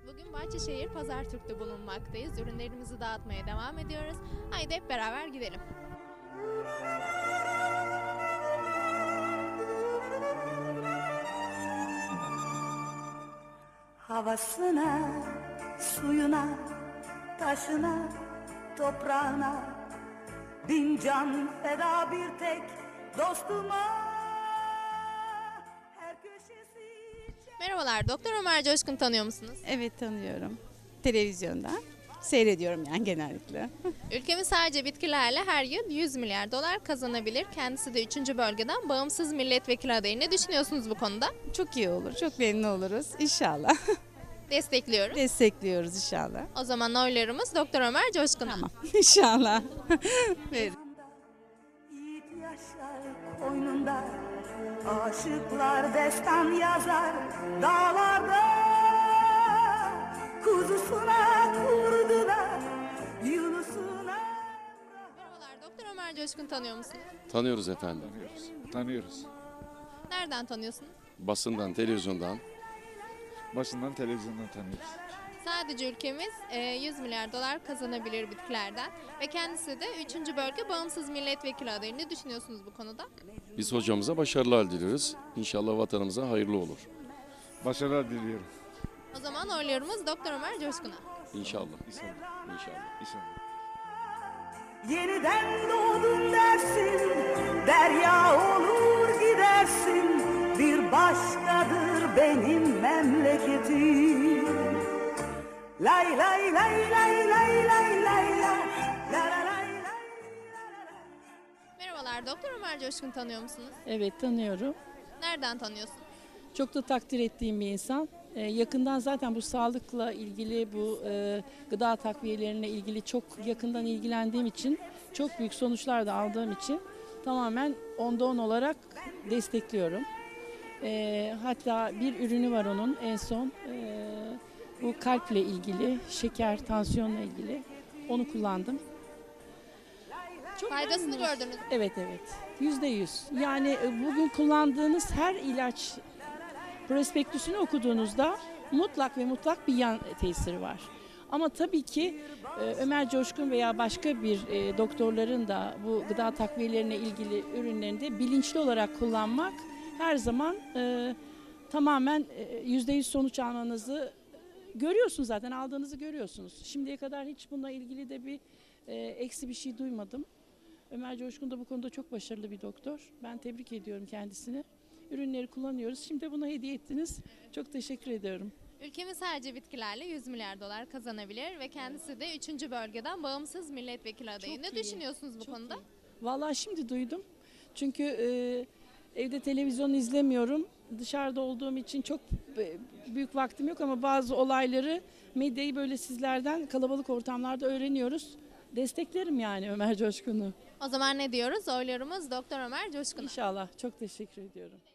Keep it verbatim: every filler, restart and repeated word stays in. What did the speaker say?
Bugün Bahçeşehir Pazartürk'te bulunmaktayız. Ürünlerimizi dağıtmaya devam ediyoruz. Haydi hep beraber gidelim. Havasına, suyuna, taşına, toprağına bin can feda bir tek dostuma. Her köşesi Merhabalar, Doktor Ömer Coşkun tanıyor musunuz? Evet, tanıyorum. Televizyondan. Seyrediyorum yani genellikle. Ülkemiz sadece bitkilerle her yıl yüz milyar dolar kazanabilir. Kendisi de üçüncü bölgeden bağımsız milletvekili adayı. Ne düşünüyorsunuz bu konuda? Çok iyi olur. Çok memnun oluruz. İnşallah. Destekliyorum. Destekliyoruz inşallah. O zaman oylarımız Doktor Ömer Coşkun'a. Tamam. İnşallah. Verin. yiğit yaşar koynunda, aşıklar destan yazar dağlarda. Kuzusuna kurdular, Yunus'una. Merhabalar, Doktor Ömer Coşkun tanıyor musunuz? Tanıyoruz efendim. Tanıyoruz. Tanıyoruz. Nereden tanıyorsunuz? Basından, televizyondan. Başından televizyondan tanıyoruz. Sadece ülkemiz e, yüz milyar dolar kazanabilir bitkilerden ve kendisi de üçüncü bölge bağımsız milletvekili adayı. Ne düşünüyorsunuz bu konuda? Biz hocamıza başarılar diliyoruz. İnşallah vatanımıza hayırlı olur. Başarılar diliyorum. O zaman oylarımız Doktor Ömer Coşkun'a. İnşallah. İnşallah. İnşallah. İnşallah. Yeniden doğdun dersin, derya olur gidersin. Bir başkadır benim memleketim. Lay lay lay lay lay lay lay lay la la lay lay. Merhabalar, Doktor Ömer Coşkun tanıyor musunuz? Evet, tanıyorum. Nereden tanıyorsunuz? Çok da takdir ettiğim bir insan. Ee, yakından zaten bu sağlıkla ilgili, bu e, gıda takviyelerine ilgili çok yakından ilgilendiğim için, çok büyük sonuçlar da aldığım için tamamen onda on olarak destekliyorum. Ee, hatta bir ürünü var onun en son. e, bu kalple ilgili, şeker, tansiyonla ilgili. Onu kullandım. Çok Faydasını memnunum. gördünüz mü? Evet evet. Yüzde yüz. Yani e, bugün kullandığınız her ilaç prospektüsünü okuduğunuzda mutlak ve mutlak bir yan tesiri var. Ama tabii ki e, Ömer Coşkun veya başka bir e, doktorların da bu gıda takviyelerine ilgili ürünlerini de bilinçli olarak kullanmak her zaman e, tamamen e, yüzde yüz sonuç almanızı görüyorsunuz, zaten aldığınızı görüyorsunuz. Şimdiye kadar hiç bununla ilgili de bir e, eksi bir şey duymadım. Ömer Coşkun da bu konuda çok başarılı bir doktor. Ben tebrik ediyorum kendisini. Ürünleri kullanıyoruz. Şimdi bunu hediye ettiniz. Çok teşekkür ediyorum. Ülkemiz sadece bitkilerle yüz milyar dolar kazanabilir ve kendisi de üçüncü bölgeden bağımsız milletvekili adayı. Çok Ne iyi. düşünüyorsunuz bu Çok konuda? iyi. Vallahi şimdi duydum. Çünkü e, evde televizyon izlemiyorum. Dışarıda olduğum için çok e, büyük vaktim yok ama bazı olayları, medyayı böyle sizlerden kalabalık ortamlarda öğreniyoruz. Desteklerim yani Ömer Coşkun'u. O zaman ne diyoruz? Oylarımız Doktor Ömer Coşkun'a. İnşallah. Çok teşekkür ediyorum.